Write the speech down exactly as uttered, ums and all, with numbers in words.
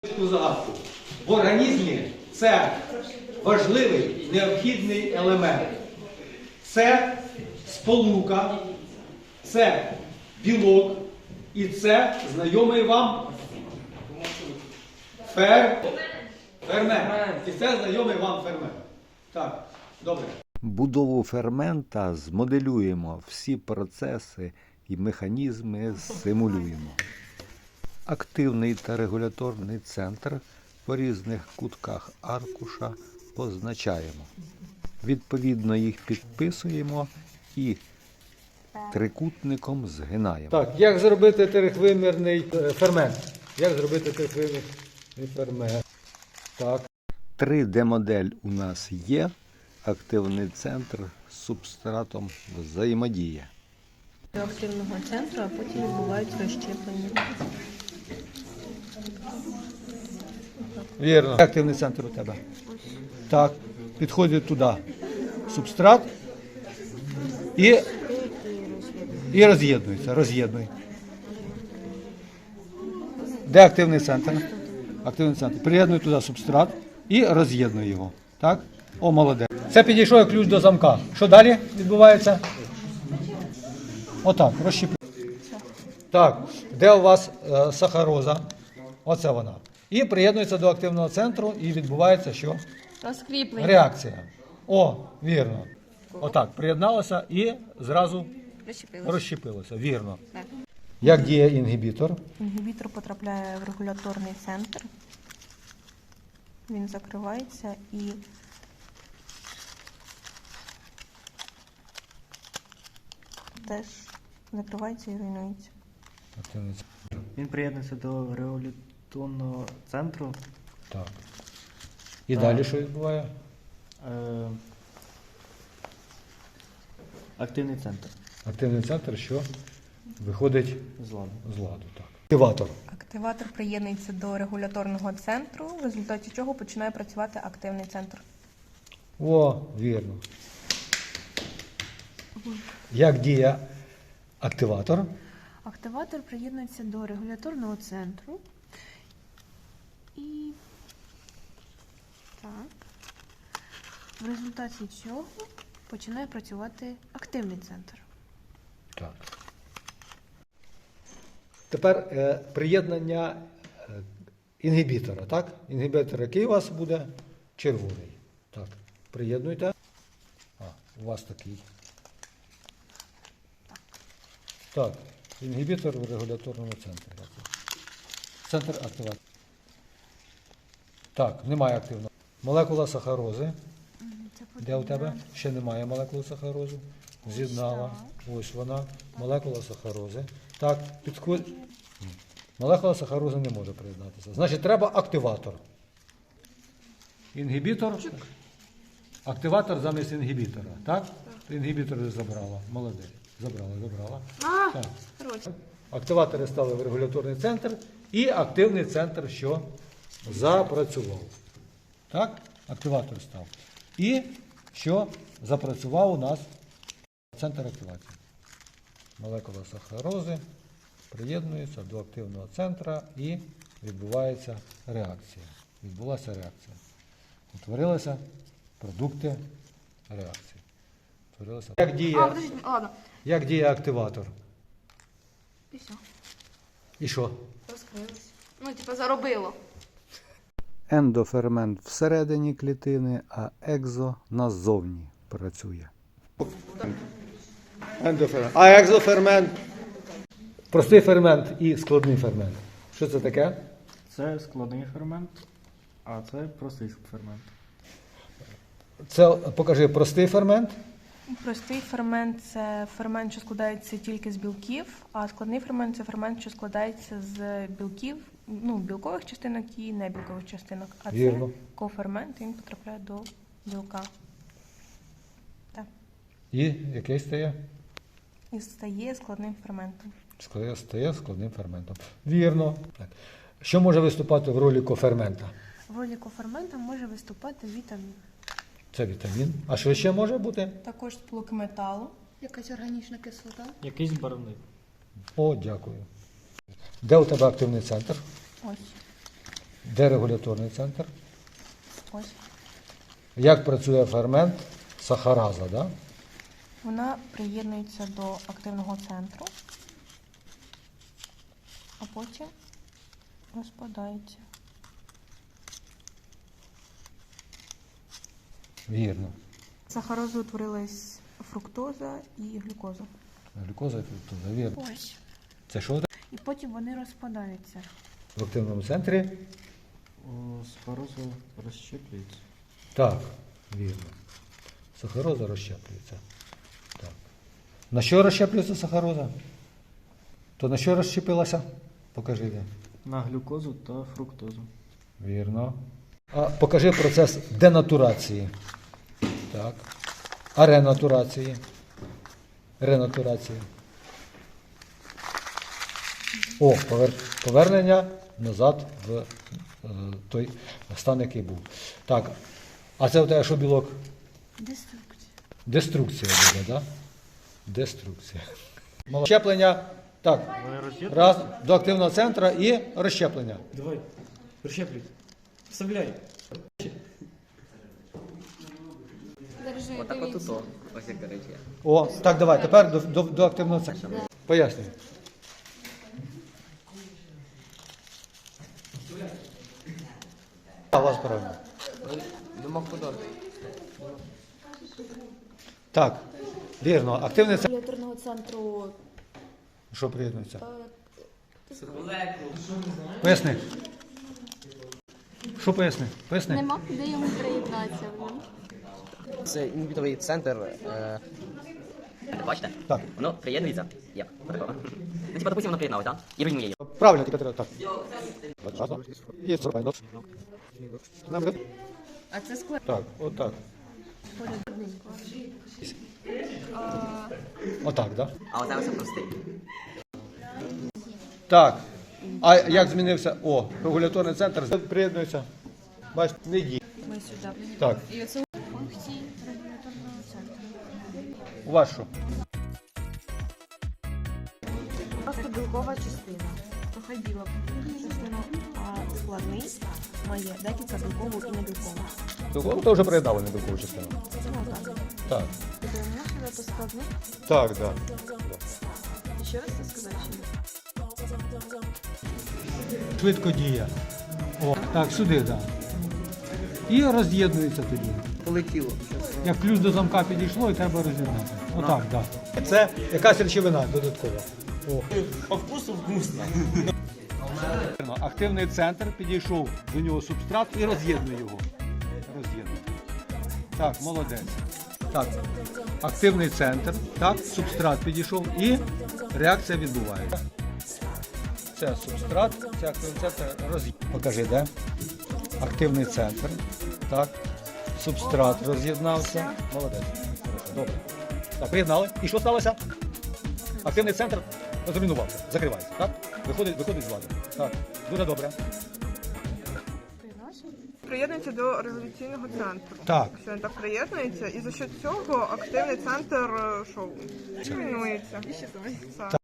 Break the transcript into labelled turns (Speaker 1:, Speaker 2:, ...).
Speaker 1: загадку. В організмі це важливий, необхідний елемент. Це сполука, це білок і це знайомий вам фер... фермент. І це знайомий вам фермент. Так, добре.
Speaker 2: Будову фермента змоделюємо, всі процеси і механізми симулюємо. Активний та регуляторний центр по різних кутках аркуша позначаємо. Відповідно їх підписуємо і трикутником згинаємо.
Speaker 1: Так, як зробити трихвимірний фермент? Як зробити трихвимірний фермент? Так.
Speaker 2: три де-модель у нас є. Активний центр з субстратом взаємодіє.
Speaker 3: До активного центру, а потім відбувається розщеплення.
Speaker 1: Вірно. Активний центр у тебе. Так, підходить туди субстрат і, і роз'єднується. Роз'єднуй. Де активний центр? Активний центр. Приєднуй туди субстрат і роз'єднуй його. Так? О, молодець. Це підійшов як ключ до замка. Що далі відбувається? Отак, розщепив. Так, де у вас е, сахароза? Оце вона. І приєднується до активного центру і відбувається що?
Speaker 3: Розкріплення.
Speaker 1: Реакція. О, вірно. Отак, приєдналося і зразу
Speaker 3: Розщепилося.
Speaker 1: розщепилося. Вірно.
Speaker 3: Так.
Speaker 1: Як діє інгібітор?
Speaker 3: Інгібітор потрапляє в регуляторний центр. Він закривається і теж закривається і руйнується.
Speaker 1: Активний центр.
Speaker 4: Він приєднується до регуляторного центру.
Speaker 1: Так. І
Speaker 4: Так.
Speaker 1: далі що відбуває?
Speaker 4: Е, активний центр.
Speaker 1: Активний центр, що виходить
Speaker 4: З ладу.
Speaker 1: з ладу. Так. Активатор.
Speaker 3: Активатор приєднується до регуляторного центру, в результаті чого починає працювати активний центр.
Speaker 1: О, вірно. Як діє активатор?
Speaker 3: Активатор приєднується до регуляторного центру і так. В результаті цього починає працювати активний центр.
Speaker 1: Так. Тепер е, приєднання е, інгібітора, так? Інгібітор, який у вас буде? Червоний. Так, приєднуйте. А, у вас такий. Так, інгібітор в регуляторному центрі. Центр активації. Так, немає активного. Молекула сахарози. Де у тебе? Ще немає молекули сахарози. З'єднала. Ось вона. Молекула сахарози. Так, підходь. Молекула сахарози не може приєднатися. Значить, треба активатор. Інгібітор. Активатор замість інгібітора. Так? Інгібітор забрала. Молодець. Забрала, забрала. Так. Активатори стали в регуляторний центр і активний центр, що запрацював. Так? Активатор став. І що запрацював у нас центр активації. Молекула сахарози приєднується до активного центра і відбувається реакція. Відбулася реакція. Утворилися продукти реакції. Утворилися. Як діє,
Speaker 5: А, подождите, ладно.
Speaker 1: як діє активатор?
Speaker 5: І все,
Speaker 1: І що?
Speaker 5: розкрилось. Ну, типа, заробило.
Speaker 2: Ендофермент всередині клітини, а екзо назовні працює.
Speaker 1: Ендофермент. А екзофермент? Простий фермент і складний фермент. Що це таке?
Speaker 4: Це складний фермент, а це простий фермент.
Speaker 1: Це, покажи, простий фермент.
Speaker 3: Простий фермент – це фермент, що складається тільки з білків, а складний фермент – це фермент, що складається з білків, ну, білкових частинок і небілкових частинок. А
Speaker 1: Вірно.
Speaker 3: це кофермент, він потрапляє до білка. Так.
Speaker 1: І який стає?
Speaker 3: І стає складним ферментом.
Speaker 1: Складає, стає складним ферментом. Вірно. Так. Що може виступати в ролі кофермента?
Speaker 3: В ролі кофермента може виступати вітамін.
Speaker 1: Це вітамін. А що ще може бути?
Speaker 3: Також сполуки металу.
Speaker 5: Якась органічна кислота.
Speaker 4: Якийсь барвник.
Speaker 1: О, дякую. Де у тебе активний центр?
Speaker 3: Ось.
Speaker 1: Де регуляторний центр?
Speaker 3: Ось.
Speaker 1: Як працює фермент сахараза, да?
Speaker 3: Вона приєднується до активного центру, а потім розпадається.
Speaker 1: Вірно.
Speaker 3: З сахарози утворилась фруктоза і глюкоза.
Speaker 1: Глюкоза і фруктоза, вірно.
Speaker 3: Ось.
Speaker 1: Це що
Speaker 3: І потім вони розпадаються.
Speaker 1: в активному центрі?
Speaker 4: О, сахароза розщеплюється.
Speaker 1: Так, вірно. Сахароза розщеплюється. Так. На що розщеплюється сахароза? То на що розщепилася? Покажи.
Speaker 4: На глюкозу та фруктозу.
Speaker 1: Вірно. А покажи процес денатурації. Так. А ренатурації? Ренатурації. О, повер- повернення назад в е, той стан, який був. Так. А це у тебе що білок?
Speaker 3: Деструкція.
Speaker 1: Деструкція буде, так? Да? Деструкція. Щеплення. Так. Раз, до активного центру і розщеплення.
Speaker 4: Давай, розщеплюй. Вставляй.
Speaker 5: Держи,
Speaker 6: Отак от тут, о. Ось як речі.
Speaker 1: О, так, давай, тепер до, до, до активного центру. Пояснюй. А, у вас правильно.
Speaker 6: Думав подати.
Speaker 1: Так, вірно. Активний центр.
Speaker 7: Регуляторного центру
Speaker 1: Що приєднується?
Speaker 7: е,
Speaker 1: Поясни. Що поясни? Поясни.
Speaker 7: нема куди йому приєднатися.
Speaker 6: Це інвітовий центр. Е... Бачите?
Speaker 1: Так.
Speaker 6: Воно приєднується. Як? Отакого. Ну, типа, допустим, воно приєдналось, так? І руйнує її.
Speaker 1: Правильно, тільки треба так. І зробимо.
Speaker 3: А це склад.
Speaker 1: Так, отак. Отак, так? Да?
Speaker 6: А оце ось простий.
Speaker 1: Так. А як змінився? О, регуляторний центр приєднується. Бачите, не діє.
Speaker 3: Ми сюди.
Speaker 1: Так.
Speaker 3: І оце функції регуляторного центру.
Speaker 1: У вас що?
Speaker 3: Просто білкова частина. Трохи біла частина, а складний має декілька білкову і небілкову.
Speaker 1: Ну, то вже приєднали недовгову частину.
Speaker 3: Ну так.
Speaker 1: Так.
Speaker 3: Додаємо сюди по складних.
Speaker 1: Так, так.
Speaker 3: І ще раз це сказати, що
Speaker 1: Швидко діє. О, так, сюди, так. І роз'єднується тоді.
Speaker 6: Полетіло.
Speaker 1: Як ключ до замка підійшло і треба роз'єднати. Отак, так. Це якась речовина додаткова. О.
Speaker 4: По вкусу вкусно.
Speaker 1: Активний центр, підійшов до нього субстрат і роз'єднує його. Роз'єднує. Так, молодець. Так, активний центр, так, субстрат підійшов і реакція відбувається. Це субстрат, це активний центр роз'єднує. Покажи, де? Активний центр, так, субстрат роз'єднався. Молодець. Хорошо, добре. Так, приєднали. І що сталося? Активний центр розруйнувався, закривається, так? Виходить, виходить з ладу. Так, дуже добре.
Speaker 8: Приєднується до революційного центру.
Speaker 1: Так.
Speaker 8: Все так приєднується, і за що цього активний центр е, що руйнується. Так.